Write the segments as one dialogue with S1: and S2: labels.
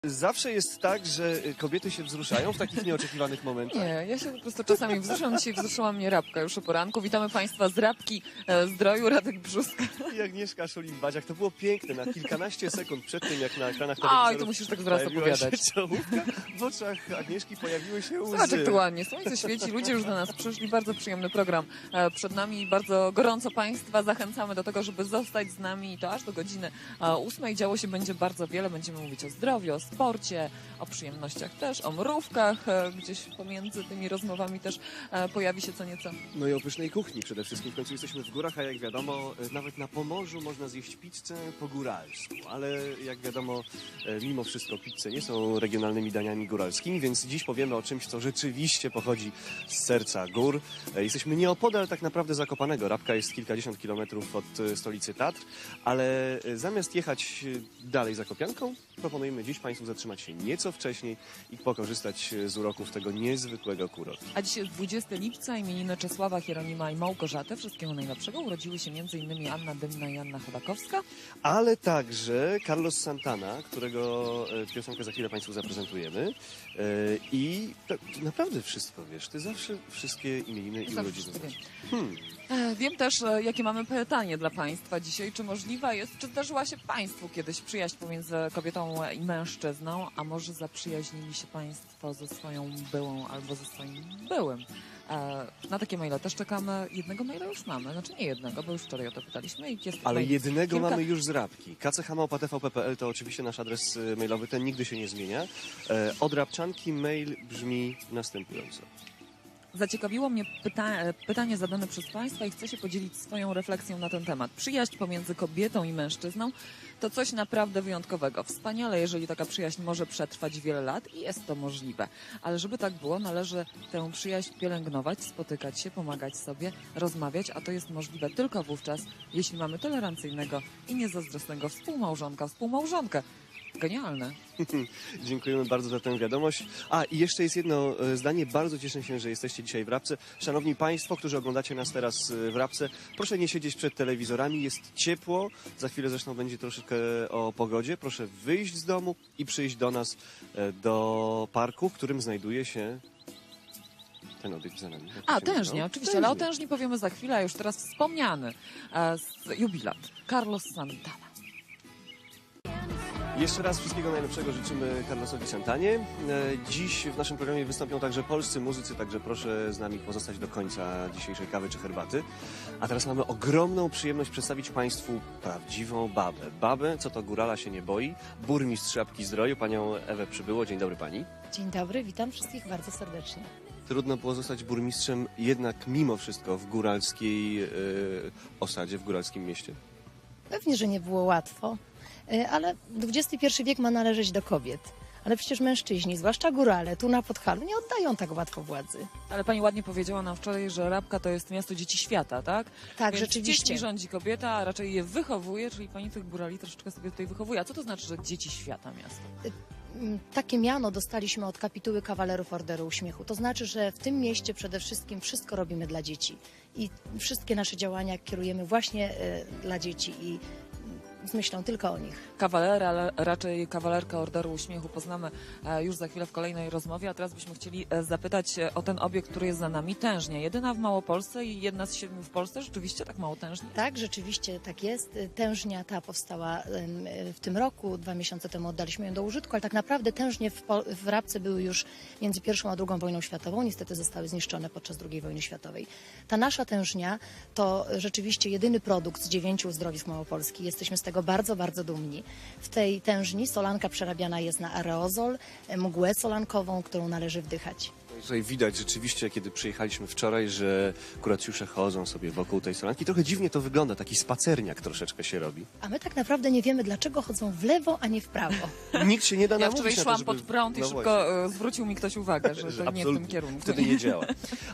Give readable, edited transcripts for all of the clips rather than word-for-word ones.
S1: Zawsze jest tak, że kobiety się wzruszają w takich nieoczekiwanych momentach.
S2: Nie, ja się po prostu czasami wzruszam. Dzisiaj wzruszyła mnie Rabka już o poranku. Witamy Państwa z Rabki Zdroju, Radek Brzuska.
S1: I Agnieszka Szulim-Badziak. To było piękne. Na kilkanaście sekund przed tym, jak na ekranach
S2: Oj,
S1: telewizorów
S2: to musisz tak zaraz
S1: pojawiła się
S2: opowiadać.
S1: czołówka, w oczach Agnieszki pojawiły się łzy.
S2: Zobacz, jak to ładnie. Słońce świeci, ludzie już do nas przyszli. Bardzo przyjemny program przed nami. Bardzo gorąco Państwa zachęcamy do tego, żeby zostać z nami i to aż do godziny 8. Działo się będzie bardzo wiele. Będziemy mówić o zdrowiu, o sporcie, o przyjemnościach też, o mrówkach. Gdzieś pomiędzy tymi rozmowami też pojawi się co nieco.
S1: No i o pysznej kuchni przede wszystkim. W końcu jesteśmy w górach, a jak wiadomo, nawet na Pomorzu można zjeść pizzę po góralsku. Ale jak wiadomo, mimo wszystko pizze nie są regionalnymi daniami góralskimi, więc dziś powiemy o czymś, co rzeczywiście pochodzi z serca gór. Jesteśmy nieopodal tak naprawdę Zakopanego. Rabka jest kilkadziesiąt kilometrów od stolicy Tatr, ale zamiast jechać dalej Zakopianką, proponujemy dziś Państwu zatrzymać się nieco wcześniej i pokorzystać z uroków tego niezwykłego kurortu.
S2: A dzisiaj jest 20 lipca, imieniny Czesława, Hieronima i Małgorzaty. Wszystkiego najlepszego. Urodziły się m.in. Anna Dymna i Anna Chodakowska.
S1: Ale także Carlos Santana, którego piosenkę za chwilę Państwu zaprezentujemy. I naprawdę wszystko wiesz. Ty zawsze wszystkie imieniny i urodziny znasz.
S2: Wiem też, jakie mamy pytanie dla Państwa dzisiaj. Czy możliwa jest, czy zdarzyła się Państwu kiedyś przyjaźń pomiędzy kobietą i mężczyzną, a może zaprzyjaźnili się Państwo ze swoją byłą albo ze swoim byłym? Na takie maile też czekamy. Jednego maila już mamy, znaczy nie jednego, bo już wczoraj o to pytaliśmy. I jest
S1: Ale jednego
S2: kilka...
S1: mamy już z Rabki. kch@tvp.pl to oczywiście nasz adres mailowy, ten nigdy się nie zmienia. Od Rabczanki mail brzmi następująco.
S2: Zaciekawiło mnie pytanie zadane przez Państwa i chcę się podzielić swoją refleksją na ten temat. Przyjaźń pomiędzy kobietą i mężczyzną to coś naprawdę wyjątkowego. Wspaniale, jeżeli taka przyjaźń może przetrwać wiele lat i jest to możliwe. Ale żeby tak było, należy tę przyjaźń pielęgnować, spotykać się, pomagać sobie, rozmawiać, a to jest możliwe tylko wówczas, jeśli mamy tolerancyjnego i niezazdrosnego współmałżonkę. Genialne.
S1: Dziękujemy bardzo za tę wiadomość. I jeszcze jest jedno zdanie. Bardzo cieszę się, że jesteście dzisiaj w Rabce. Szanowni Państwo, którzy oglądacie nas teraz w Rabce, proszę nie siedzieć przed telewizorami. Jest ciepło. Za chwilę zresztą będzie troszeczkę o pogodzie. Proszę wyjść z domu i przyjść do nas do parku, w którym znajduje się ten obiekt za nami.
S2: Tężnia, oczywiście, ale o tężni powiemy za chwilę, a już teraz wspomniany jubilat Carlos Santana.
S1: Jeszcze raz wszystkiego najlepszego życzymy Carlosowi Santanie. Dziś w naszym programie wystąpią także polscy muzycy, także proszę z nami pozostać do końca dzisiejszej kawy czy herbaty. A teraz mamy ogromną przyjemność przedstawić Państwu prawdziwą babę. Babę, co to górala się nie boi, burmistrz Rabki Zdroju, panią Ewę Przybyło. Dzień dobry pani.
S3: Dzień dobry, witam wszystkich bardzo serdecznie.
S1: Trudno było zostać burmistrzem jednak mimo wszystko w góralskiej osadzie, w góralskim mieście.
S3: Pewnie, że nie było łatwo, ale XXI wiek ma należeć do kobiet. Ale przecież mężczyźni, zwłaszcza górale, tu na Podhalu, nie oddają tak łatwo władzy.
S2: Ale pani ładnie powiedziała nam wczoraj, że Rabka to jest miasto dzieci świata, tak?
S3: Tak,
S2: Więc
S3: rzeczywiście.
S2: dziećmi rządzi kobieta, a raczej je wychowuje, czyli pani tych górali troszeczkę sobie tutaj wychowuje. A co to znaczy, że dzieci świata miasto?
S3: Takie miano dostaliśmy od kapituły kawalerów Orderu Uśmiechu. To znaczy, że w tym mieście przede wszystkim wszystko robimy dla dzieci. I wszystkie nasze działania kierujemy właśnie dla dzieci i z myślą tylko o nich.
S2: Kawalera, ale raczej kawalerka Orderu Uśmiechu poznamy już za chwilę w kolejnej rozmowie, a teraz byśmy chcieli zapytać o ten obiekt, który jest za nami, Tężnia. Jedyna w Małopolsce i jedna z 7 w Polsce. Rzeczywiście tak mało tężni?
S3: Tak, rzeczywiście tak jest. Tężnia ta powstała w tym roku, 2 miesiące temu oddaliśmy ją do użytku, ale tak naprawdę tężnie w Rabce były już między I a II wojną światową. Niestety zostały zniszczone podczas II wojny światowej. Ta nasza tężnia to rzeczywiście jedyny produkt z 9 uzdrowisk Małopolski. Jesteśmy z tego bardzo, bardzo dumni. W tej tężni solanka przerabiana jest na aerozol, mgłę solankową, którą należy wdychać.
S1: Tutaj widać rzeczywiście, kiedy przyjechaliśmy wczoraj, że kuracjusze chodzą sobie wokół tej solanki. Trochę dziwnie to wygląda, taki spacerniak troszeczkę się robi.
S3: A my tak naprawdę nie wiemy, dlaczego chodzą w lewo, a nie w prawo.
S1: Nikt się nie da
S2: Ja
S1: namówić
S2: wczoraj
S1: na
S2: szłam
S1: to, żeby...
S2: pod prąd i szybko zwrócił mi ktoś uwagę, że to nie w tym kierunku.
S1: Wtedy nie działa.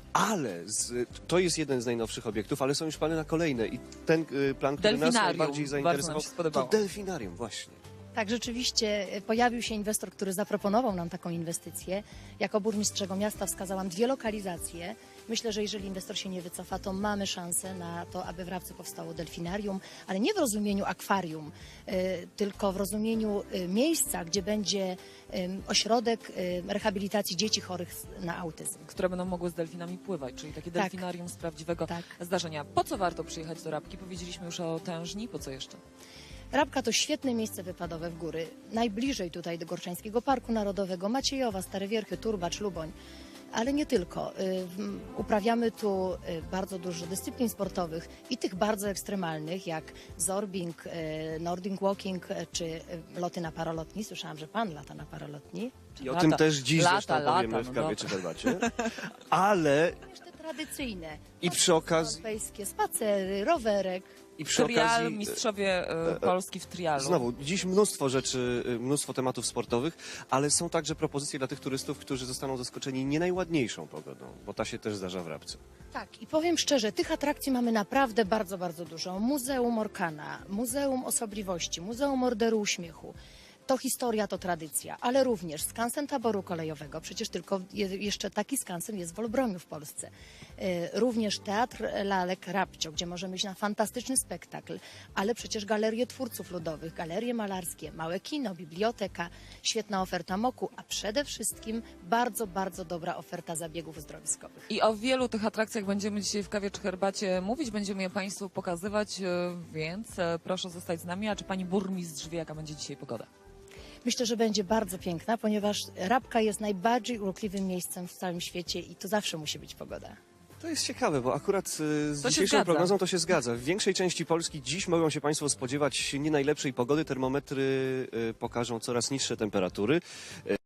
S1: Ale to jest jeden z najnowszych obiektów, ale są już plany na kolejne. I ten plan, który nas najbardziej zainteresował, to delfinarium właśnie.
S3: Tak, rzeczywiście pojawił się inwestor, który zaproponował nam taką inwestycję. Jako burmistrz tego miasta wskazałam 2 lokalizacje Myślę, że jeżeli inwestor się nie wycofa, to mamy szansę na to, aby w Rabce powstało delfinarium, ale nie w rozumieniu akwarium, tylko w rozumieniu miejsca, gdzie będzie ośrodek rehabilitacji dzieci chorych na autyzm.
S2: Które będą mogły z delfinami pływać, czyli takie
S3: Tak.
S2: delfinarium z prawdziwego
S3: Tak.
S2: zdarzenia. Po co warto przyjechać do Rabki? Powiedzieliśmy już o tężni, po co jeszcze?
S3: Rabka to świetne miejsce wypadowe w góry. Najbliżej tutaj do Gorszańskiego Parku Narodowego, Maciejowa, Stare Wierchy, Turbacz, Luboń. Ale nie tylko. Uprawiamy tu bardzo dużo dyscyplin sportowych i tych bardzo ekstremalnych, jak zorbing, nordic walking czy loty na paralotni. Słyszałam, że pan lata na paralotni.
S1: I o tym też dziś zresztą powiemy w
S2: no
S1: kawie
S2: dobra.
S1: czy herbacie. Ale
S3: Jeszcze tradycyjne.
S1: i przy okazji,
S3: Europejskie spacery, rowerek.
S1: i przy
S2: Trial,
S1: okazji
S2: mistrzowie Polski w trialu.
S1: znowu, dziś mnóstwo rzeczy, mnóstwo tematów sportowych, ale są także propozycje dla tych turystów, którzy zostaną zaskoczeni nie najładniejszą pogodą, bo ta się też zdarza w Rabce.
S3: Tak, i powiem szczerze, tych atrakcji mamy naprawdę bardzo, bardzo dużo. Muzeum Orkana, Muzeum Osobliwości, Muzeum Orderu Uśmiechu. To historia, to tradycja, ale również skansen taboru kolejowego. Przecież tylko jeszcze taki skansen jest w Olbromiu w Polsce. Również Teatr Lalek Rabcio, gdzie możemy iść na fantastyczny spektakl, ale przecież galerie twórców ludowych, galerie malarskie, małe kino, biblioteka, świetna oferta MOK-u, a przede wszystkim bardzo, bardzo dobra oferta zabiegów uzdrowiskowych.
S2: I o wielu tych atrakcjach będziemy dzisiaj w kawie czy herbacie mówić, będziemy je Państwu pokazywać, więc proszę zostać z nami. A czy Pani burmistrz wie, jaka będzie dzisiaj pogoda?
S3: Myślę, że będzie bardzo piękna, ponieważ Rabka jest najbardziej urokliwym miejscem w całym świecie i to zawsze musi być pogoda.
S1: To jest ciekawe, bo akurat z
S2: To się
S1: dzisiejszą
S2: zgadza.
S1: prognozą to się zgadza. W większej części Polski dziś mogą się Państwo spodziewać nie najlepszej pogody. Termometry pokażą coraz niższe temperatury.